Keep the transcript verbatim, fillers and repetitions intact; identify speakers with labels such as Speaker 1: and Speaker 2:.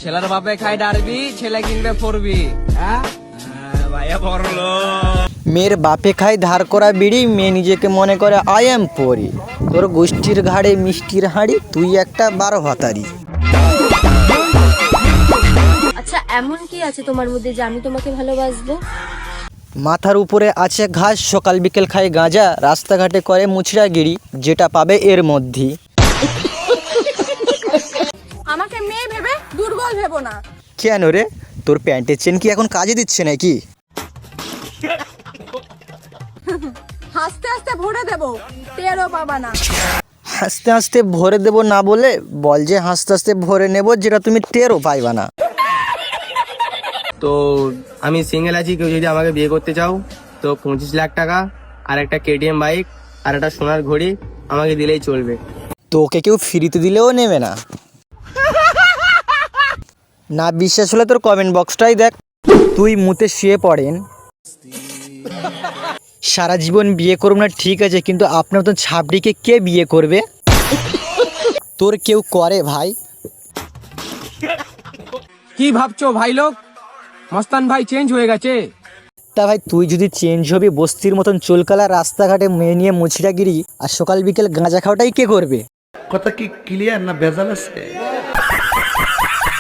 Speaker 1: ছেলের বাপে খাই ডারবি, ছেলে কিনবে পড়বি। হ্যাঁ ভাইয়া পড়লো।
Speaker 2: মেয়ের বাপে খায় ধার করা বিড়ি, মেয়ে নিজেকে মনে করে আই এম পরি। তোর গোষ্ঠীর ঘাড়ে মিষ্টির হাঁড়ি, তুই একটা বারো ভাতারি।
Speaker 3: আচ্ছা এমন কি আছে তোমার মধ্যে যে আমি তোমাকে ভালোবাসবো?
Speaker 2: মাথার উপরে আছে ঘাস, সকাল বিকেল খায় গাঁজা, রাস্তাঘাটে করে মুচড়াগিরি, যেটা পাবে এর মধ্যেই।
Speaker 4: আমাকে মেয়ে ভেবে দুর্বল ভেবো না।
Speaker 2: কেন রে, তোর প্যান্টের চেন কি এখন কাজে দিচ্ছে নাকি?
Speaker 4: হাসতে হাসতে ভরে দেবো, টেরও পাবা না।
Speaker 2: হাসতে হাসতে ভরে দেবো না বলে বল যে হাসতে হাসতে ভরে নেব, যেটা তুমি টেরও পাইবা না।
Speaker 1: তো আমি সিঙ্গেল আছি, কেউ যদি আমাকে বিয়ে করতে চাও তো পঁচিশ লাখ টাকা আর একটা কেটিএম বাইক আর একটা সোনার ঘড়ি আমাকে দিলেই চলবে।
Speaker 2: তোকে কেউ ফ্রিতে দিলেও নেবে না। না বিশ্বাস হলে তোর কমেন্ট বক্সটাই দেখ। তুই মুতে শুয়ে পড়েন, সারা জীবন বিয়ে করব না ঠিক আছে, কিন্তু আপনার মতন ছাবড়িকে কে বিয়ে করবে? তোর কেউ করে ভাই?
Speaker 1: কি ভাবছো ভাই লোক, মস্তান ভাই চেঞ্জ হয়ে গেছে।
Speaker 2: তা ভাই তুই যদি চেঞ্জ হবি, বস্তির মতন চুলকালা রাস্তাঘাটে মেয়ে নিয়ে মুছিরাগিরি আর সকাল বিকেল গাঁজা খাওয়াটাই কে করবে?
Speaker 5: কথা কি ক্লিয়ার না ভেজাল আছে?